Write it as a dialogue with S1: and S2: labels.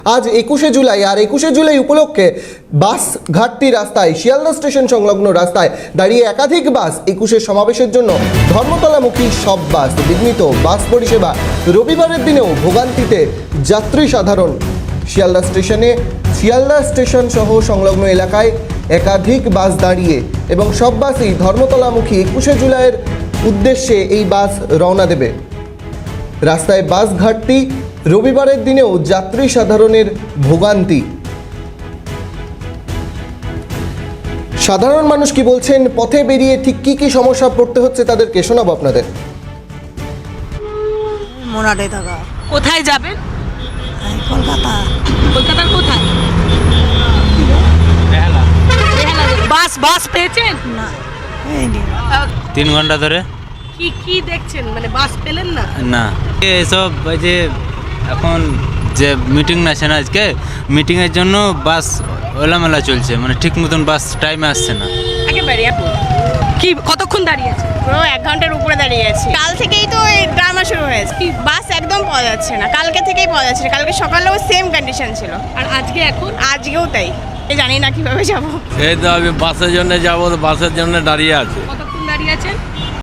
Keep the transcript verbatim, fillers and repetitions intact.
S1: আজ একুশে জুলাই আর একুশে জুলাই উপলক্ষে বাস ঘাটতি রাস্তায় শিয়ালদা স্টেশন সংলগ্ন রাস্তায় দাঁড়িয়ে একাধিক বাস একুশের সমাবেশের জন্য ধর্মতলামুখী সব বাস বিঘ্নিত বাস পরিষেবা রবিবারের দিনেও ভোগান্তিতে যাত্রী সাধারণ। শিয়ালদা স্টেশনে শিয়ালদা স্টেশন সহ সংলগ্ন এলাকায় একাধিক বাস দাঁড়িয়ে এবং সব বাসই ধর্মতলামুখী একুশে জুলাইয়ের উদ্দেশ্যে এই বাস রওনা দেবে। রাস্তায় বাস ঘাটতি, রবিবারের দিনেও যাত্রী সাধারণের ভোগান্তি। সাধারণ মানুষ কি বলছেন, পথে বেরিয়ে ঠিক কি কি সমস্যা পড়তে হচ্ছে তাদেরকে শোনাবো আপনাদের।
S2: মোনাডে থাকা।
S3: কোথায় যাবেন?
S2: এই কলকাতা।
S3: কলকাতার কোথায়?
S4: বেহালা।
S3: বেহালা যাবেন। বাস বাস পেয়েছেন?
S2: না হয়নি।
S3: আহ,
S4: তিন ঘন্টা ধরে
S3: কি কি দেখছেন, মানে বাস পেলেন না?
S4: না এসব ওই যে এখন যে মিটিং আছে না, আজকে মিটিংয়ের জন্য বাস ওলামেলা চলছে, মানে ঠিক মতন বাস টাইমে আসছে না।
S5: একেবারে আপু
S3: কি কতক্ষণ দাঁড়িয়েছে?
S5: পুরো এক ঘন্টার উপরে দাঁড়িয়ে আছি। কাল থেকেই তো এই ড্রামা শুরু হয়েছে, বাস একদম পাওয়া যাচ্ছে না। কালকে থেকেই পাওয়া যাচ্ছে না, কালকে সকালেও সেম কন্ডিশন ছিল,
S3: আর আজকে এখন
S5: আজকেও তাই। এই জানি না কিভাবে যাব।
S6: এই তো আমি বাসের জন্য যাবো, তো বাসের জন্য দাঁড়িয়ে আছি।
S3: কতক্ষণ দাঁড়িয়ে আছেন?